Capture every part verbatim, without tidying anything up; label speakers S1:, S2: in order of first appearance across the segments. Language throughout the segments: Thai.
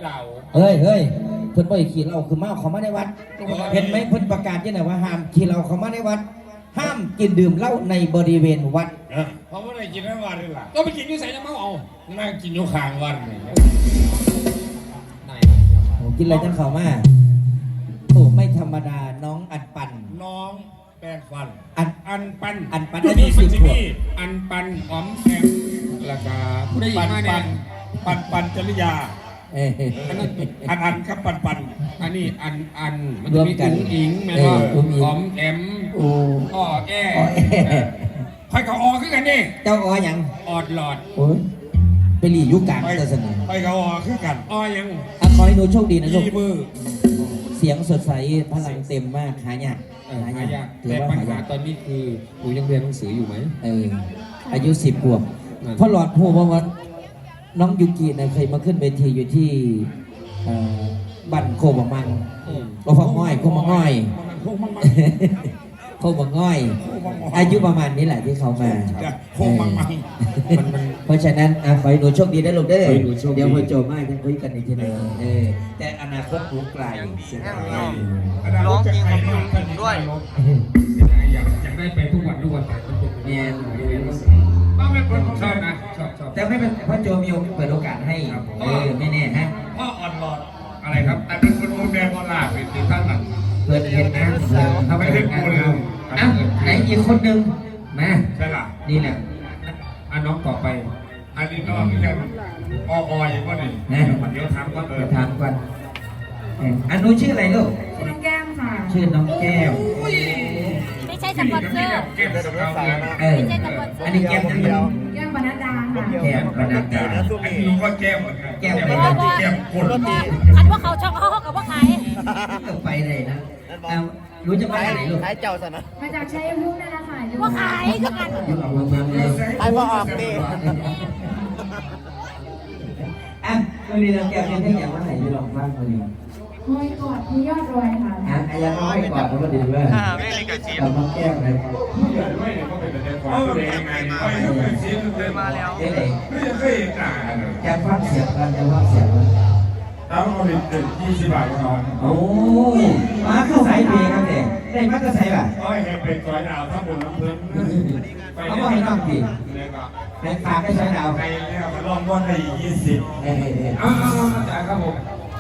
S1: ดาว
S2: เฮ้ยเฮ้ยเพิ่นบ่ให้ขี่เราคือมาเขามาในวัดเห็นไหมเพิ่นประกาศยังไงว่าห้ามขี่เราเขามาในวัดห้ามกินดื่มเหล้าในบริเวณวัด
S1: เขาไม่ได้กินในวัดเลยล่ะก็ไปกินอยู่ใส่น้ำเมาเอานั่งกินอยู่ข้างวัดนี่
S2: โอ้กินอะไรจังเขามาโอ้ไม่ธรรมดาน้องอันปัน
S1: น้องแป้งฟัน
S2: อัน
S1: อันปัน
S2: อันปันอายุสิบขวบ
S1: อันปันหอมแอมแล้วก็ปันปันปันปันจริยาอันอันครับปันปันอันนี้อันอันมันจะมีกุ้งอิงแม่ว่าหอมแอมอ้อแอใครเขาออขึ้นกันนี่
S2: เจ้าออยัง
S1: ออดหลอด
S2: โอ้ยไปหลียุกลางจะเสนอ
S1: ใครเขาออขึ้นกันอ้อยัง
S2: อ่ะขอให้หนูโชคดีนะลูก
S1: มือ
S2: เสียงสดใสพลังเต็มมากหายาก
S1: หายากแต่ปัญหาตอนนี้คือหนูยังเรียนหนังสืออยู่ไหม
S2: เอออายุสิบขวบเพราะหลอดพูดว่าน้องยูกิเนี่ยเคยมาขึ้นเวทีอยู่ที่บันโคบมังโคบง่อยโคบง่อยโคบง่อยอายุประมาณนี้แหละที่เขามา
S1: โคบมัง
S2: เพราะฉะนั้นขอให้หนูโชคดีได้ลูกได้เดี๋ยวพอโจมากจะคุยกันอีกทีนึงแต่อนาคตหูไกล
S3: ร้องจริงผมด้วย
S1: อยากอยากได้ไปทุกวันทุกวันแต่มันเป็น
S2: เนี่ย
S1: ต้องเป็นคนชอบนะชอบชอบ
S2: แต่ไม่เป็นพ่อโจมีเปิดโอกาสให้เออไม่แน่ฮะ
S1: พ่ออ่อนหลอดอะไรครับแต่เป็นคนโมเดลโบราณเป็นที่ท่านหลัง
S2: เปิดเห็นนะทำไมเล่นกูเลยอ่ะไหนอีกคนนึงมา
S1: ใช่ล่ะ
S2: นี่แหละ
S1: อันน้องต่อไปอันนี้น้องนี่แค่อออยว่านี่นะเดี๋ยวถามก่อนเออ
S2: ถามก่อนอันนู้นชื่ออะไรลูก
S4: ชื่อน้องแก้มค่ะ
S2: ชื่อน้องแก้ว
S4: ไม่ใช่สปอนเซอร์
S1: แก้มสกาว
S2: เอออันนี้แก้มอย่างเดียว
S4: แก้มปนัดดาค่ะ
S2: แก้มปนัดดา
S1: อันนี้ก็แก้มเหมือนกัน
S2: แก้ม
S1: แก้มคน
S4: อันว่าเขาช่องเขากับว่าขาย
S2: ไปเลยนะเอารู้จะมาไหนลูก
S3: ขายเจ้าสนะ
S4: มาจากชัยภูมินั่นแหละค่ะว่าขายก็กัน
S2: อยู่ออกเมืองเมืองเลย
S3: ขายว่าออกดี
S2: อ่ะวันนี้เราแก้มเป็นที่อย่างว่าไหนอยู่ลองบ้างวันนี้
S4: ห้อยกอดที่ยอดรอยค่ะ
S2: อ่ะอายาห้อยกอดก็ดีเลย
S3: ไม่ลิกาจี
S2: กับน้องแก้มเลย
S1: ไม่เนี่ยก็เป็นแต่ความเองไงไม่เป็นซีนเลย
S3: มาแล้ว
S2: เจ๊เด็ก
S1: ไม่เคยจ่าย
S2: แก้มฟังเสียงกันแก้มฟังเสียงกัน
S1: แล้วเอาไปเด็ดยี่สิบบาทก็นอน
S2: โอ้มาเข้าสายเพลงครับเด็กได้มาก็ใส่แบบ
S1: โอ้ยเป็นซอยดาวทั้งหมดน้ำเพลิน
S2: เขาบอกให้น้องผิดในฝากให้ซอยดาว
S1: ในเนี่ยมันลองว่าในยี่สิบ
S2: เออเออ
S1: อ้าวจ่ายครับผม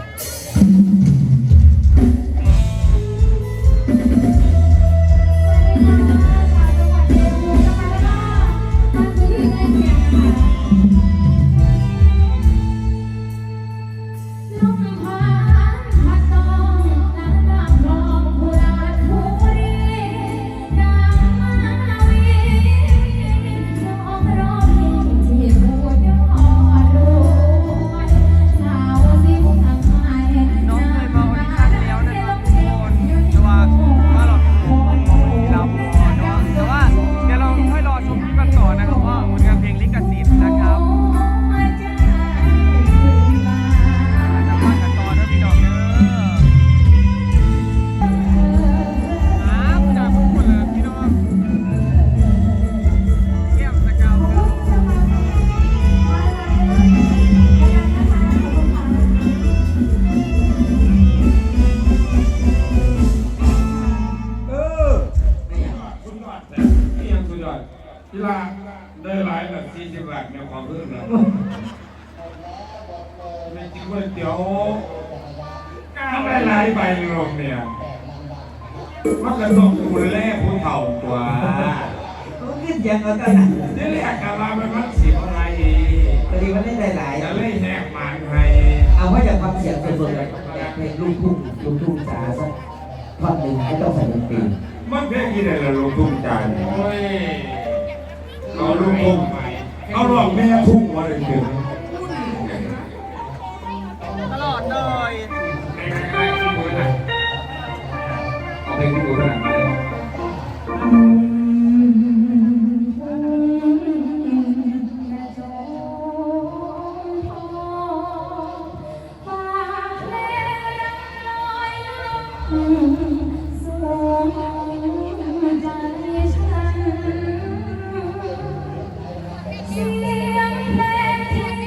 S1: ที่ลาได้หลายแบบสี่สิบหลักในความเพื่อนเราในจริงว่าเดี๋ยวก้าวได้หลายใบลงเนี่ยมันจะต้องดูแลผู้เฒ่าตัว
S2: คิดยังไงกันนะ
S1: นี่แหละการลาเป็นมันสิบอะไร
S2: พอดีมันได้หลาย
S1: จะเล่แหกมันไทย
S2: เอาว่าอยากฟังเสียงสดๆเลยอยากเพลงลูกทุ่งลูกทุ่งจ๋าสักท่อนหนึ่งไม่ต้องใส่ดนตรี
S1: มันเพลงกี่ไหนล่ะลูกทุ่งจ๋าโอ้ยเอาลูกทุ่งเอาหลอกแม่ทุ่งมาเลยเถอะ
S3: ตลอดเลย
S1: เอาเพลงที่ดูขนาดนั้น
S4: เสียงเพลงที่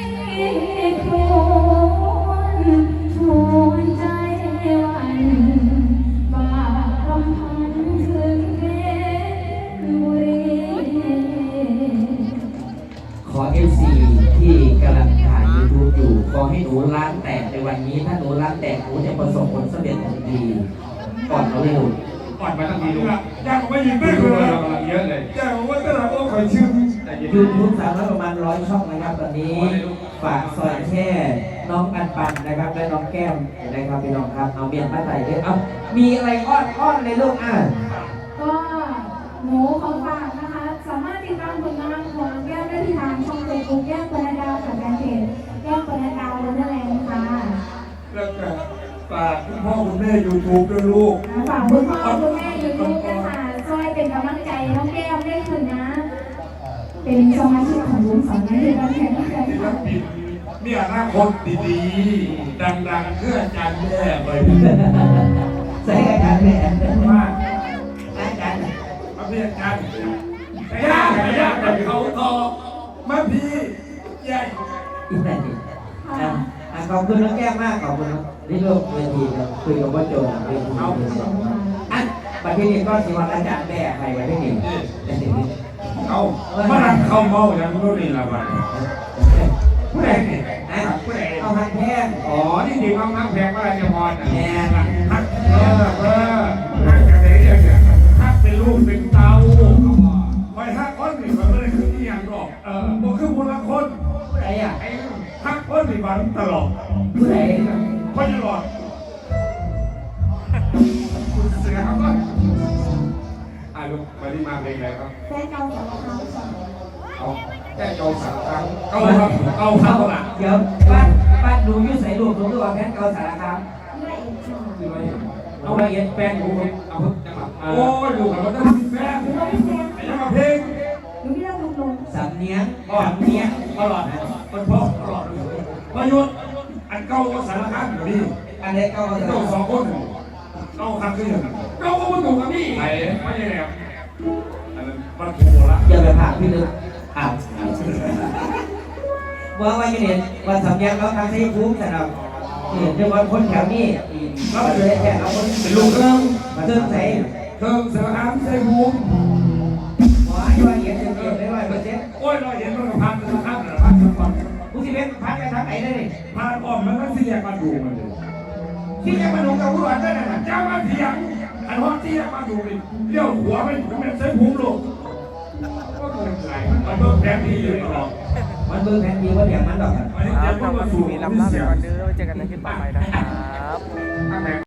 S2: อ เอฟ ซี ที่กำลังถ่าย ยูทูบ อยู่ขอให้หนูร้านแตกในวันนี้ถ้าหนูร้านแตกหนูจะประสบผลสำเร็จทันทีก่อนเขาเลยลูก
S1: ก่อนมาตั้งทีลูกยากกว่าไม่ยินไม่เลยเรากำลังเยอะเลยยากกว่าตลาดโอ้คอยชื่อ
S2: ยูทูบสามร้อยประมาณร้อยช่องนะครับตอนนี้ฝากซอยแค่น้องปันปันนะครับและน้องแก้มนะครับพี่น้องครับเอาเบียนมาใส่ด้วยเอามีอะไรอ้อนอ้อนเลยลูกอ่ะ
S4: ก็หนูขอฝากนะคะ สามารถติดตามผลงานของแก้มได้ที่ทางช่องเฟซบุ๊กแก้มปนัดดาค่ะแฟนเพจแก้มปนัดดาวันนั่นแหละค่ะ
S1: แล้วก็ฝากคุณพ่อคุณแม่ยูทูบด้วยลูก
S4: ฝากคุณพ่อคุณแม่ยูทูบนะคะช่วยเป็นกำลังใจน้องแก้มได้คืนนะ เป็นสมาชิกของวงสองนักเรียนบ้านแพงนะคะ
S1: ศิลปินมีอนาคตดีๆดังๆเพื่ออาจารย์แม่ไป
S2: ใส่อาจารย์แม่
S1: ว่า
S2: อาจารย์
S1: มาพี่อาจารย์ยากยากแต่เขาตอบมาพี่ใหญ่
S2: อีกแล้วนี่อ่ะอ่ะขอบคุณน้องแก้มมากขอบคุณน้องนี่ลูกเวทีครับคุยกับพ่อโจนะเวทีเอาอ่ะประเทศนี้ก็สิวันอาจารย์แม่ใครประเทศนี้
S1: เอามาดังเข้าเมาอย่างนู้นนี่ละบ้านผู้ใดเนี่ย
S2: อ่ะ
S1: ผู้ใด
S2: เอาหันแพง
S1: อ๋อนี่ดีมากมากแพงว่าอะไรจะพอ
S2: แม่
S1: ฮักเออเออฮักกันไหนเนี่ยฮักเป็นลูกเป็นเตาคอยฮักคนนี่มันไม่ได้คือที่อย่างหรอกเออมันคือคนละคน
S2: ผู้ใดอ่ะ
S1: ไอ้ฮักคนนี่มันตลอด
S2: ผู้ใด
S1: คนตลอดคุณเสือครับอ่ะลูกมาที่มาเพลงอะไรครับ
S4: แฟนเก่าสารคามค่ะ
S1: เอาแค่เกาสารคามเกาครับเกาครับล่ะ
S2: เดี๋ยวบ้านบ้านดูยุ่ใส่ลูกดูด้วยว่าแพนเกาสารคาม
S4: เมื่อเอ็นค่ะ
S2: เอาละเอียดแฟนกูเอาจังหวะ
S1: โอ้ยลูกกับมันต้องมีแฟน
S4: หนูก็ไม่แฟน
S1: ไอ้ยังมาเพลง
S4: หนูที่เราลุงลง
S2: สำเนียงสำเนียง
S1: ตลอดมันเพราะตลอดประโยชน์อันเก่าก็สารคามอยู่นี่
S2: อันนี้เกาสาร
S1: เก่า
S2: คาม
S1: สองคนเก่าคักขึ้นเก่าก็มันถูกกับนี่ไอ้ไม่ใช่แล้วอันนั้นมันถูกละ
S2: อย่าไปผ่าพี่ลึกอ่าวว่าว่าอยู่เนี่ยวันสำเนียงเราทางที่ภูมิแต่เราเนี่ยเดี๋ยววันคนแถวนี้เราเลยแค่เราคนเป็นลูกเครื่องเครื่องใส่
S1: เครื่องสารคามใส่หู
S2: ว้ายว่าเอียดเอียดได้ร้อยเปอร์เซ็นต์
S1: โอ้ยเราเห็นมันกับพันสารคามแต่พันจังหวัด
S2: ผู้ที่เป็นพัดกันทางไหนได้ดิ
S1: พันอ้อมมันมันเสียมาดูมันเลย
S2: ที่จะมาดูกับผู้หลานได้น่ะ
S1: เจ้ามาเถียงอันฮอตเสียมาดูเลยเลี้ยวหัวไม่ถูกมันใส่หูลูกก็เกิดไหลมันเบิ่งแผนที่อยู่ตลอด
S2: มันเบิ่งแผนที่ว่าอย่างมันดอกกัน
S1: อันนี้
S3: ค
S1: เดี๋
S3: รั
S1: ย
S3: บ
S1: วมัน
S3: วัน
S1: สู
S3: นี้
S1: ง
S3: ลำลาไปก่อนเด้อไว้เจอกันในคลิปต่อไปนะครับ